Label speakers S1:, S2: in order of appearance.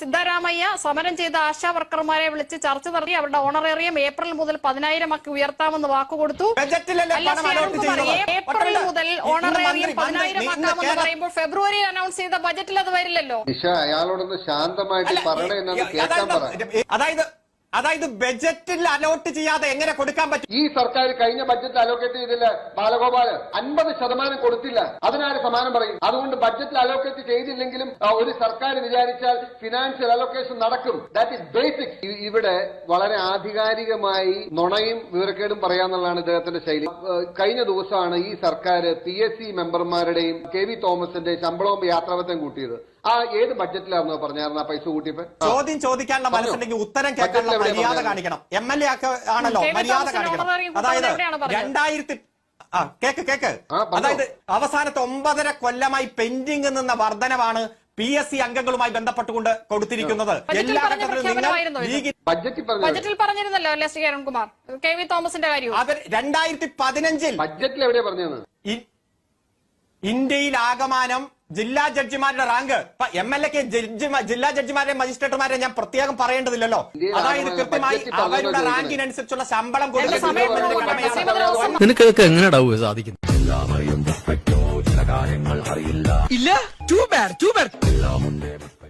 S1: സിദ്ധരാമയ്യ സമരം ചെയ്ത ആശാ വർക്കർമാരെ വിളിച്ച് ചർച്ച നടത്തി അവരുടെ ഓണറേറിയം ഏപ്രിൽ മുതൽ 10,000 ആക്കി ഉയർത്താമെന്ന് വാക്കുകൊടുത്തു. ഏപ്രിൽ മുതൽ ഓണറേറിയം 10,000 ആക്കാമെന്ന് പറയുമ്പോൾ ഫെബ്രുവരിയിൽ അനൗൺസ് ചെയ്ത ബജറ്റിൽ അത് വരില്ലല്ലോ.
S2: അയാളോടൊന്ന് ശാന്തമായിട്ട് പറയണേ.
S3: അതായത് ബജറ്റിൽ അലോട്ട് ചെയ്യാതെ എങ്ങനെ കൊടുക്കാൻ പറ്റും?
S2: ഈ സർക്കാർ കഴിഞ്ഞ ബഡ്ജറ്റിൽ അലോക്കേറ്റ് ചെയ്തില്ല ബാലഗോപാല്, 50% കൊടുത്തില്ല. അതിനാര് സമാനം പറയും? അതുകൊണ്ട് ബഡ്ജറ്റിൽ അലോക്കേറ്റ് ചെയ്തില്ലെങ്കിലും ഒരു സർക്കാർ വിചാരിച്ചാൽ ഫിനാൻഷ്യൽ അലോക്കേഷൻ നടക്കും. That is basic. ഇവിടെ വളരെ ആധികാരികമായി നുണയും വിവരക്കേടും പറയാന്നുള്ളതാണ് ഇദ്ദേഹത്തിന്റെ ശൈലി. കഴിഞ്ഞ ദിവസമാണ് ഈ സർക്കാർ PSC മെമ്പർമാരുടെയും KV തോമസിന്റെ ശമ്പളവും യാത്രാപത്യം കൂട്ടിയത്. ഏത് ബഡ്ജറ്റിലാണെന്നോ പറഞ്ഞായിരുന്നു ആ പൈസ കൂട്ടിയപ്പോ?
S3: ചോദ്യം ചോദിക്കാനുള്ള മനസ്സുണ്ടെങ്കിൽ ഉത്തരം കേൾക്കാനുള്ള മര്യാദ കാണിക്കണം. MLA ആണല്ലോ മര്യാദ കാണിക്കണം. അതായത് 2000 അതായത് അവസാനത്തെ 9.5 കൊല്ലമായി പെൻഡിംഗ് നിന്ന വർധനവാണ് PSC അംഗങ്ങളുമായി ബന്ധപ്പെട്ടുകൊണ്ട് കൊടുത്തിരിക്കുന്നത്. എല്ലാ
S1: ബജറ്റിൽ പറഞ്ഞിരുന്നല്ലോ അല്ലേ ശ്രീ അരുൺകുമാർ, KV തോമസിന്റെ കാര്യം.
S3: അവർ 2015
S2: ബഡ്ജറ്റിൽ എവിടെയാ പറഞ്ഞത്?
S3: ഇന്ത്യയിൽ ആകമാനം ജില്ലാ ജഡ്ജിമാരുടെ റാങ്ക് MLAക്ക് ജില്ലാ ജഡ്ജിമാരെ മജിസ്ട്രേറ്റുമാരെ ഞാൻ പ്രത്യേകം പറയേണ്ടതില്ലല്ലോ. അതായത് കൃത്യമായി അവരുടെ റാങ്കിനനുസരിച്ചുള്ള ശമ്പളം
S4: നിനക്കൊക്കെ എങ്ങനെയാ സാധിക്കുന്നത്?
S5: ഇല്ല, ടു ബാഡ്